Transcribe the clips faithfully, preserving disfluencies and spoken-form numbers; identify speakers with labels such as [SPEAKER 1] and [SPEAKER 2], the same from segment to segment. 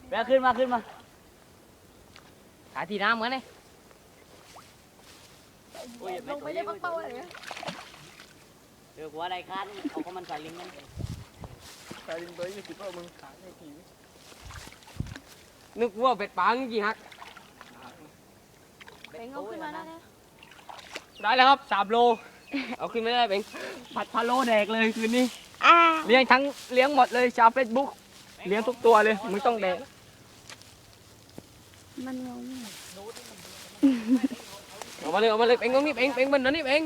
[SPEAKER 1] แบกขึ้นมาขึ้นมา
[SPEAKER 2] ขาทีน้ำเหมือนไง
[SPEAKER 3] ลงไปได้ปักเป้าอะไรเงี้ย
[SPEAKER 1] เดี๋ยวหัวอะไรคันเอาก็มันใส่ลิงนั่น
[SPEAKER 2] ใส่ลิงตัวนี้คิดว่ามึงขาได้กี่นึกว่าเป็ดปังกี่ฮัก
[SPEAKER 3] เป่งเอาขึ้นมาได้แล้ว
[SPEAKER 2] ได้แล้วครับสามโลเอาขึ้นไม่ได้เป็งผัดพะโล้แดกเลยคืนนี้
[SPEAKER 3] อ่า
[SPEAKER 2] เลี้ยงทั้งเลี้ยงหมดเลยชาวเฟซบุ๊กเลี้ยงทุกตัวเลยมึงต้องแดก
[SPEAKER 3] มันงง
[SPEAKER 2] เอามาเลยเอามาเลยเป็งตรงนี้เป็งเป็งบนนั้นนี่เป็ง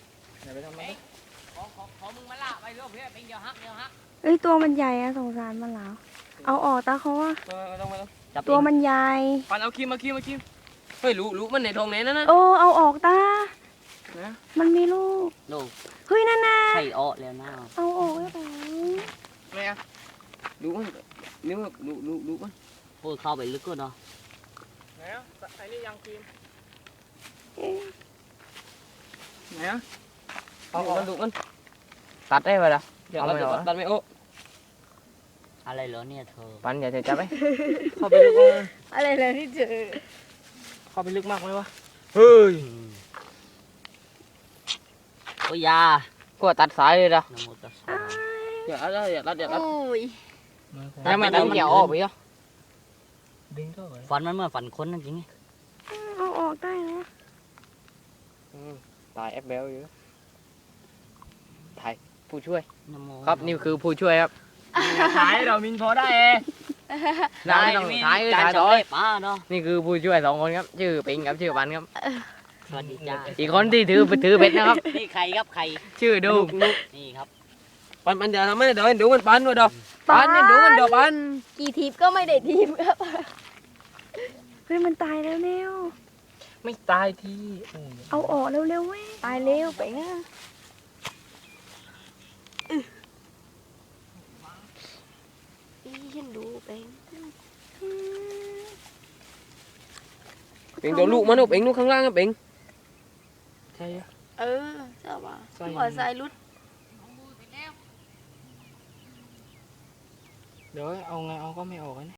[SPEAKER 1] ของของของมึงมาละไปเรื่องเพื่อเป็นเดียวฮักเดียวฮัก
[SPEAKER 3] เอ้ยตัวมันใหญ่อะสงสารมันแล้วเอาออกตาเขาอะ
[SPEAKER 2] มาต้องมาต้อง
[SPEAKER 3] ตัวมันใหญ่
[SPEAKER 2] ปันเอาคีมมาคีมมาคีมเฮ้ยรู้รู้มันในทองไหนนั่นนะ
[SPEAKER 3] โอ้เอาออกตามันมีลูก
[SPEAKER 1] ลูก
[SPEAKER 3] เฮ้ยนั่นน่ะ
[SPEAKER 1] ไข่อ้อแล้วนะ
[SPEAKER 3] เอาออกได้ไหม
[SPEAKER 2] ไม่อะรู้มันนิ้วรู้รู้รู้มัน
[SPEAKER 1] โอ้ยเข้าไปลึกก็เนาะ
[SPEAKER 2] ไหนอ่ะไอ้นี่ยังคีม
[SPEAKER 3] เอ๊ะ
[SPEAKER 2] ไหนอ่ะเอามันดูมันตัดได้ไหมล่ะเอาไม่เอาตัดไม่โอ้
[SPEAKER 1] อะไรเหรอเนี่ยเธอ
[SPEAKER 2] ปันอย่าเทจับไปเข้าไปลึกมาก
[SPEAKER 3] อะไรเลยที่เจอ
[SPEAKER 2] เข้าไปลึกมากไหมวะเฮ้ย
[SPEAKER 1] โอ้ยยา
[SPEAKER 2] ก็ตัดสายเลยนะ
[SPEAKER 1] นโมตัสสะ
[SPEAKER 2] อย่าตัดอย่าตัดอย่าตัด
[SPEAKER 3] โอ้ย
[SPEAKER 2] แล้วไม่ตัดเกี่ยวออกไปเหรอ
[SPEAKER 1] ฝันมันเหมื่อนฝันคนนั่นจริงไง
[SPEAKER 3] เอาออกได้แล้ว
[SPEAKER 2] ตายแอปเบลอยู่ถ่ายผู้ช่วย
[SPEAKER 1] นโม
[SPEAKER 2] ครับนี่คือผู้ช่วยครับถ่ายเรามินพอได้เองได้ต้องถ่าย
[SPEAKER 1] จาน
[SPEAKER 2] ถ่าย
[SPEAKER 1] สำ
[SPEAKER 2] ต่อ
[SPEAKER 1] เร็จป้าเนาะ
[SPEAKER 2] นี่คือผู้ช่วยสองคนครับชื่อปิงกับชื่อปันครับ
[SPEAKER 1] สวัสดีจ้า
[SPEAKER 2] อีกคนที่ถือถือเบ็ดนะครับ
[SPEAKER 1] นี่ใครครับใคร
[SPEAKER 2] ชื่อดู
[SPEAKER 1] นี่ครับ
[SPEAKER 2] ปันปันจะทำไม่ได้เดี๋ยวดูมันปันด้วยเดี๋ยวปันเนี่ยดูมันเดี๋ยวปัน
[SPEAKER 3] กี่ทีมก็ไม่ได้ทีมครับเฮ้ยมันตายแล้วเร็ว
[SPEAKER 2] ไม่ตายที
[SPEAKER 3] เอาออกเร็วๆเว้ยตายเร็วไปนะอีฉันดูไป
[SPEAKER 2] ปิงเดี๋ยวลูกมันเอาปิงลูกข้างล่างครับปิงใช่
[SPEAKER 3] เออใช่ป่ะ
[SPEAKER 2] ใส่
[SPEAKER 3] หัวใส่รุด
[SPEAKER 2] เดี๋ยวเอาไงเอาก็ไม่ออกนะ